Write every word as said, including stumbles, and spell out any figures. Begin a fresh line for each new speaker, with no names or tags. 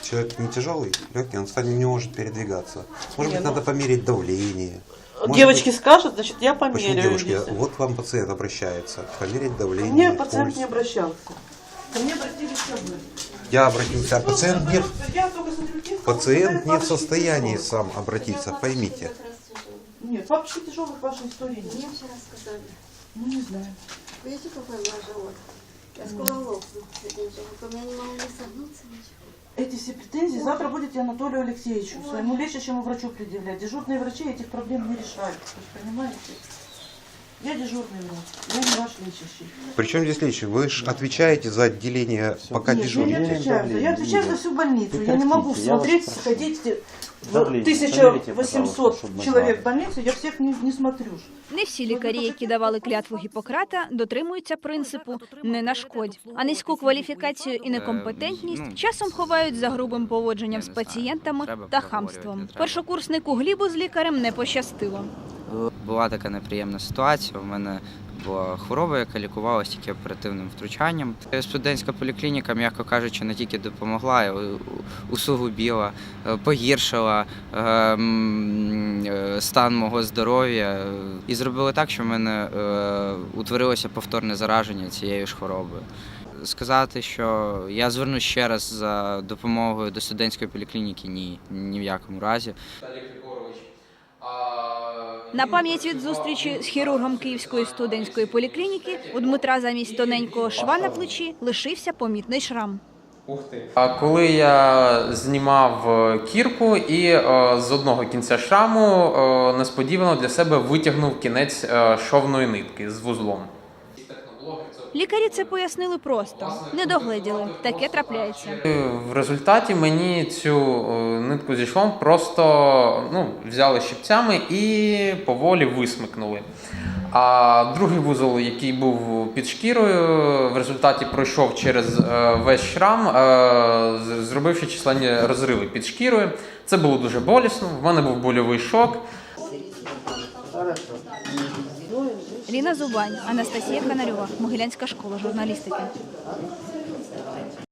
человек не тяжелый, легкий, он кстати, не может передвигаться. Может
Не,
быть,
ну...
надо померить давление. Может
Девочки
быть...
скажут, значит, я померяю.
Почему девушки?
Если...
Вот к вам пациент обращается. Померить давление,
Ко мне
пульс.
пациент не обращался. Ко мне обратились все вы.
Я обратился, а пациент не,
Я только смотрю, тесто,
пациент
вот,
не в состоянии
тяжелых.
сам обратиться, поймите.
Нет, папочки тяжелых в вашей истории нет.
Мне вчера сказали.
Ну, не знаю.
Видите, какой у меня живот? Я скоро лопну с этим животом. Я не могу не согнуться, ничего.
Эти все претензии завтра будете Анатолию Алексеевичу, своему лечащему врачу предъявлять. Дежурные врачи этих проблем не решают. Вы же понимаете? Я дежурный врач, я не ваш лечащий.
Причем здесь лечащий? Вы же отвечаете за отделение, пока
Нет, я не
дежурите.
отвечаю. за- Я отвечаю за всю больницу. Я не могу
Прекратите, я вас
смотреть,
прошу.
сходить в
Давление
тысяча
померите,
восемьсот
пожалуйста, чтобы мы
человек
знали.
в больнице, я всех не, не смотрю. ж.
Не всі лікарі, які давали клятву Гіппократа, дотримуються принципу «не нашкодь», а низьку кваліфікацію і некомпетентність часом ховають за грубим поводженням з пацієнтами та хамством. Першокурснику Глібу з лікарем не пощастило.
Була така неприємна ситуація. У мене була хвороба, яка лікувалася тільки оперативним втручанням. Студентська поліклініка, м'яко кажучи, не тільки допомогла, а й усугубила, погіршила стан мого здоров'я і зробила так, що в мене утворилося повторне зараження цією ж хворобою. Сказати, що я звернусь ще раз за допомогою до студентської поліклініки – ні, ні в якому разі.
На пам'ять від зустрічі з хірургом Київської студентської поліклініки у Дмитра замість тоненького шва на плечі лишився помітний шрам.
А коли я знімав кірку і е, з одного кінця шраму е, несподівано для себе витягнув кінець е, шовної нитки з вузлом.
Лікарі це пояснили просто. Не догледіли. Таке трапляється.
В результаті мені цю е, нитку зі швом просто ну, взяли щипцями і поволі висмикнули. А другий вузол, який був під шкірою, в результаті пройшов через е, весь шрам, е, зробивши численні розриви під шкірою. Це було дуже болісно, в мене був больовий шок.
Ліна Зубань, Анастасія Канарьова, Могилянська школа журналістики.